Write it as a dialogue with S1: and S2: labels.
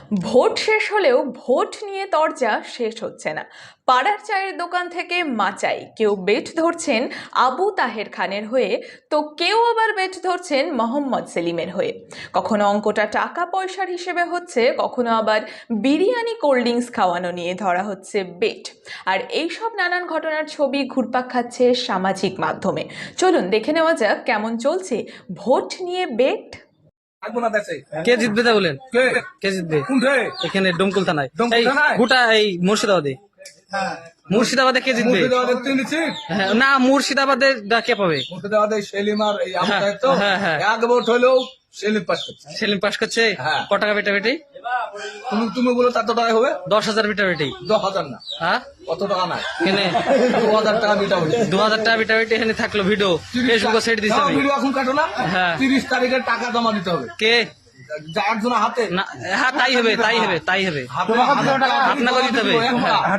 S1: Vote শেষ হলেও vote নিয়ে তরজা শেষ হচ্ছে না। পাড়ার চায়ের দোকান থেকে মাচাই কেউ বেট ধরছেন আবু তাহের খানের হয়ে, তো কেউ আবার বেট ধরছেন মোহাম্মদ সেলিমের হয়ে। কখনো অঙ্কটা টাকা পয়সার হিসেবে হচ্ছে, কখনো আবার বিরিয়ানি কোল্ড ড্রিঙ্কস খাওয়ানো নিয়ে ধরা হচ্ছে বেট। আর এইসব নানান ঘটনার ছবি ঘুরপাক খাচ্ছে সামাজিক মাধ্যমে। চলুন দেখে নেওয়া যাক কেমন চলছে ভোট নিয়ে বেট।
S2: কে জিতবে তা বলেন? কে জিতবে এখানে ডোমকুল থানায়? গোটা এই মুর্শিদাবাদে কে জিতবে? হ্যাঁ, না মুর্শিদাবাদে কে পাবে?
S3: সেলিম আর এই আবু
S2: হ্যাঁ,
S3: তাহের তো
S2: হ্যাঁ, হ্যাঁ।
S3: এক ভোট হলেও সেলিম পাস করছে।
S2: সেলিম পাস করছে।
S3: হ্যাঁ।
S2: ক টাকা বেটা বেটি?
S3: তুমি বলো কত টাকা হবে?
S2: 10,000 বেটা বেটি।
S3: 10,000 না,
S2: হ্যাঁ
S3: কত টাকা নাই,
S2: এখানে
S3: 2,000 টাকা বিটা হয়েছে।
S2: 2,000 টাকা বেটা বেটি এখানে থাকলো। ভিডিও ফেসবুকে সেট দিছে আমি।
S3: ভিডিও এখন কাটো না।
S2: হ্যাঁ।
S3: 30 তারিখে টাকা জমা দিতে হবে।
S2: কে?
S3: একজন হাতে
S2: না, হ্যাঁ তাই হবে।
S3: হাতে
S2: আপনাকে দিতে হবে।
S3: টাকা